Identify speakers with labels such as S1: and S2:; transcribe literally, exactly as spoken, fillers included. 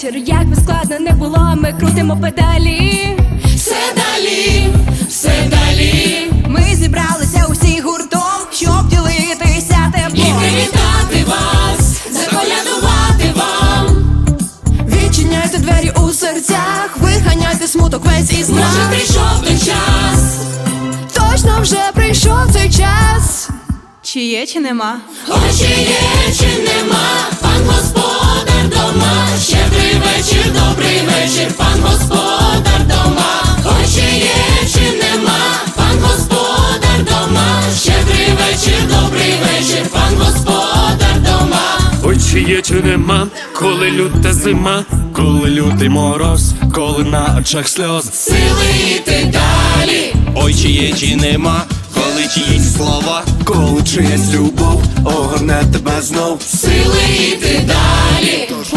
S1: вечір, як би складно не було, ми крутимо педалі.
S2: Все далі, все далі.
S1: Ми зібралися усі гуртом, щоб ділитися
S2: І
S1: теплом.
S2: привітати вас, заколядувати вам.
S1: Відчиняйте двері у серцях, виганяйте смуток весь із нас.
S2: Може прийшов той час.
S1: Точно вже прийшов цей час. Чи є, чи нема?
S2: Ой, чи є, чи нема, пан господар дома. Щедрий вечір, добрий вечір, пан господар дома. Ой, чи є, чи нема, пан господар дома. Щедрий вечір, добрий вечір, пан господар дома.
S3: Ой, чи є, чи нема, коли люта зима, коли лютий мороз, коли на очах сльоз.
S2: Сили йти далі.
S4: Ой, чи є, чи нема, коли чиїсь слова, коли чиясь любов огорне тебе знов.
S2: Сили йти далі.